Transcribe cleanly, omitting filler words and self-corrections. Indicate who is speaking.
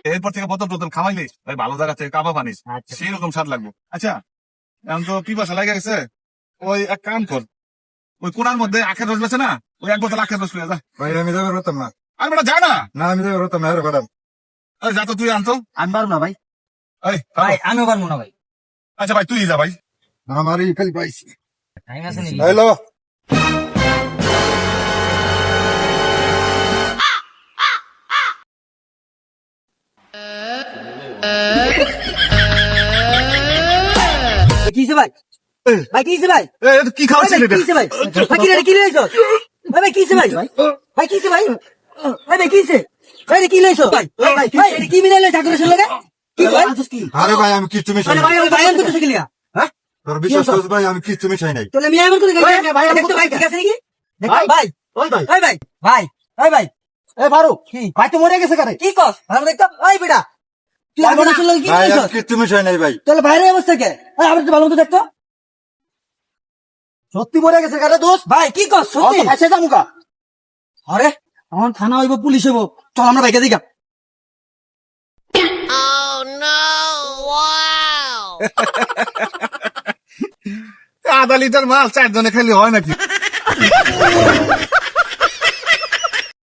Speaker 1: এরপর থেকে বোতল টোতল খাওয়াইলে ভাই ভালো জায়গা থেকে কাবা পানিস,
Speaker 2: আচ্ছা।
Speaker 1: সেই রকম স্বাদ লাগবে। আচ্ছা এখন তো পিপাসা লাগে গেছে, ওই এক কাম কর, ওই কোনার মধ্যে আখের রস বেছে না, ওই এক বোতল আখের রস পেয়ে যা।
Speaker 3: ভাই আমি যাবে পারতাম না।
Speaker 1: আর বেটা যা না,
Speaker 3: না আমি যাবে পারতাম না, আরে ম্যাডাম।
Speaker 1: যা তো তুই আনতো।
Speaker 2: আমি পারবো না ভাই।
Speaker 1: এই
Speaker 2: ভাই আমিও পারবো না ভাই।
Speaker 1: আচ্ছা ভাই তুই যা ভাই।
Speaker 3: আমার এই খালি পাইছি।
Speaker 2: টাইম আছে নাকি?
Speaker 3: হ্যালো
Speaker 2: কি হইছে ভাই? ভাই কি হইছে ভাই?
Speaker 1: কি খাওয়াচ্ছিস
Speaker 2: ভাই কি হইছে ভাই? ভাই কি রে কি লইছো? ভাই কি হইছে ভাই? ভাই কি হইছে ভাই? ভাই কি হইছে? ভাই কি লইছো? ভাই ভাই এটা কি মিলাইলে ঠাকুরের লগে? কি ভাই?
Speaker 3: আরে ভাই আমি কিচ্ছু মিশাই
Speaker 2: আরে
Speaker 3: নাই।
Speaker 2: ভাই আমি ভাই আমি তো শিখলিয়া। হ্যাঁ?
Speaker 3: তোর বিশ্বাস করছ ভাই আমি কিচ্ছু মিশাই নাই।
Speaker 2: তাহলে আমি এমন করে গাইছি। ভাই আমি তো ভাই ঠিক আছে নাকি? ভাই ভাই
Speaker 4: ওই ভাই
Speaker 2: ভাই ভাই ভাই ভাই ভাই
Speaker 4: এ ফারুক
Speaker 2: কি
Speaker 4: ভাই তো মরে গেছে কারে?
Speaker 2: কি কস? আমি দেখতাম ওই বেটা তুই ঠাকুরের লগে কি
Speaker 3: ভাই
Speaker 2: লইছো?
Speaker 3: আমি কিচ্ছু মিশাই নাই ভাই।
Speaker 2: তাহলে বাইরে অবস্থা কে? ভাই আমার তো ভালো মতো দেখতো।
Speaker 4: সত্যি মরে গেছে কারে দোস্ত?
Speaker 2: ভাই কি কস? সত্যি?
Speaker 4: এসে যামুকা
Speaker 2: আরে আমার থানা হইব পুলিশ হইব, চল আমরা বাইকে দিকা।
Speaker 1: আধা লিটার মাল 4 জনে খেলে হয় নাকি?